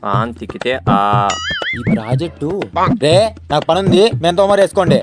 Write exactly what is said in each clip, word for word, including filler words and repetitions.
On తిక్కితే ఆ. ఈ project రే నాకు పని ఉంది మేము తోమరు వేసుకోండి.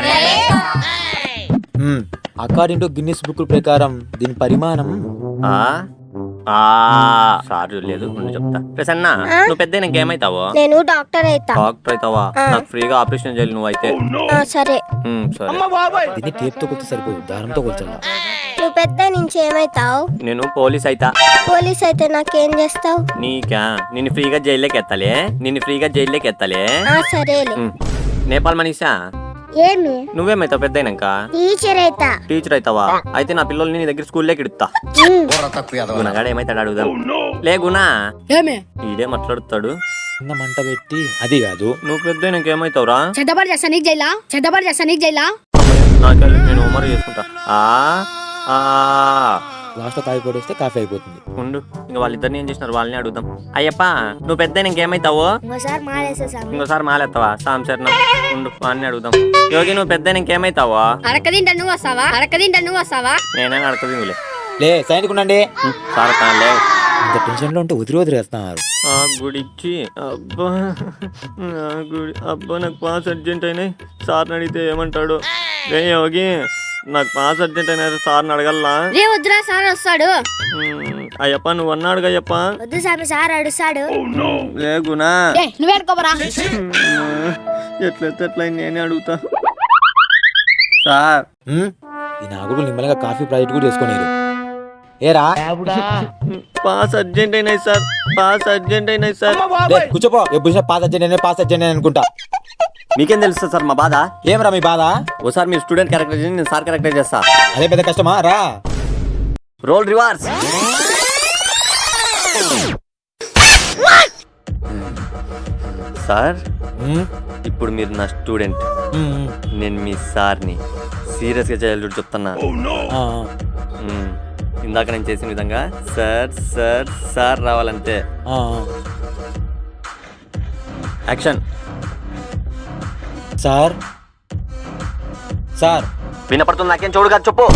అకార్డింగ్ టు గిన్నిస్ బుక్ ప్రకారం దీని పరిమాణం ఆ ఆ సార్ లేదు ఉండి చెప్తా. ప్రసన్న నువ్వు పెద్ద ఇంకేమైతావో? నేను డాక్టర్ అయితా. డాక్టర్ అవుతావా? నాకు ఫ్రీగా ఆపరేషన్ చేయాలి నువ్వు అయితే. ఆ, సరే. ఉమ్, సరే. దీన్ని టేప్ తో కొలితే సరిపోదు, దారంతో కొల్చాలా. నువ్వు పెద్ద నుంచి ఏమైతావు? నేను పోలీస్ అయితా. పోలీస్ అయితే నాకేం చేస్తావు? నీకా నిన్ను ఫ్రీగా జైల్లోకి ఎత్తాలే నిన్ను ఫ్రీగా జైల్లోకి ఎత్తాలే. ఆ, సరేలే. ఉమ్. నేపాల్ మనీషా ఏమి? నువ్వేమైతావు పెద్ద అయినాక? టీచర్ అయితా. టీచర్ అవుతావా? అయితే నా పిల్లల్ని నీ దగ్గర స్కూల్లోకి ఇడుతా. గుణగాడు ఏమైతాడు అడుగుదాం. లే గుణ ఇదే మాట్లాడుతాడు. చిన్న మంట పెట్టి అది కాదు. నువ్వు పెద్ద ఇంకేమైతావురా? చెడ్డబడి చేస్తా నీకు జైలా చెడ్డబడి చేస్తా నీకు జైలా. నాకెళ్ళి నేను ఉమరు చేసుకుంటా. ఆ ఆ లాస్ట్ లో కాయ పొడేస్తే కాఫీ అయిపోతుంది. ఉండు ఇంకా వాళ్ళిద్దరిని ఏం చేసినారు వాళ్ళని అడుగుదాం. అయ్యప్ప నువ్వు పెద్ద ఇంకేమైతావు? ఇంకోసారి మాలేసా సామి. ఇంకోసారి మాలేస్తావా? సాంశరణం ఉండు వాళ్ళని అడుగుదాం. యోగి నువ్వు పెద్ద ఇంకేమైతావా? అడక తింటా నువ్వు వస్తావా అడక తింటా నువ్వు వస్తావా. నేనే అడగదు లే సైనిక్ ఉండండి. సార్ కాలే ఇంత టెన్షన్ లో ఉంటే వదిలి వదిలేస్తున్నారు. ఆ గుడిచ్చి అబ్బా ఆ గుడి అబ్బా నాకు పాస్ అర్జెంట్ అయినాయి. సార్ని అడిగితే ఏమంటాడు? రే యోగి నాకు పాస్ అర్జెంట్ అయినా సార్ని అడగల్లా? రే వద్దురా సార్ వస్తాడు. అయ్యప్ప నువ్వు అన్నాడు అయ్యప్ప. వద్దు సామి, సార్ అడుస్తాడు. లే గునా నువ్వు ఎడుకోబరా. ఎట్లయితే ఎట్లా నేనే అడుగుతా. సార్ ఈ నాగుడు నిమ్మలంగా కాఫీ ప్రాజెక్ట్ కూడా చేసుకోలేరు. ఏరా పాస్ అర్జెంట్ అయినాయి సార్ పాస్ అర్జెంట్ అయినాయి సార్. కూర్చోపో. ఎప్పుడు పాస్ అర్జెంట్ పాస్ అర్జెంట్ అనుకుంటా. మీకేం తెలుస్తుంది సార్ మా బాధ? ఏమరా మీ బాధ? ఓసారి మీరు స్టూడెంట్ క్యారెక్టర్ చేసి నేను సార్ క్యారెక్టర్ చేస్తా. అదే పెద్ద కష్టమా? రా రోల్ రివర్స్. సార్ ఇప్పుడు మీరు నా స్టూడెంట్, నేను మీ సార్ని. సీరియస్ గా చేయాలి చెప్తున్నా. ఇందాక నేను చేసిన విధంగా సార్ సార్ సార్ రావాలంతే. యాక్షన్. సార్ సార్ వినపడుతుంది నాకేం చూడు కాదు చెప్పు.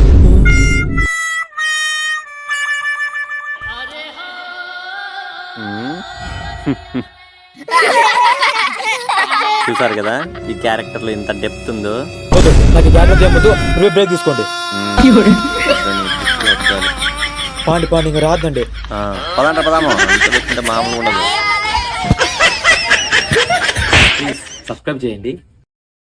చూసారు కదా ఈ క్యారెక్టర్ లో ఇంత డెప్త్ ఉందో. నాకు జాగ్రత్త చేయవద్దు, బ్రేక్ తీసుకోండి. పాండి పాండి ఇంకా రాదండి. పదాంట పదాము మామూలు ఉండదు. ప్లీజ్ సబ్స్క్రైబ్ చేయండి.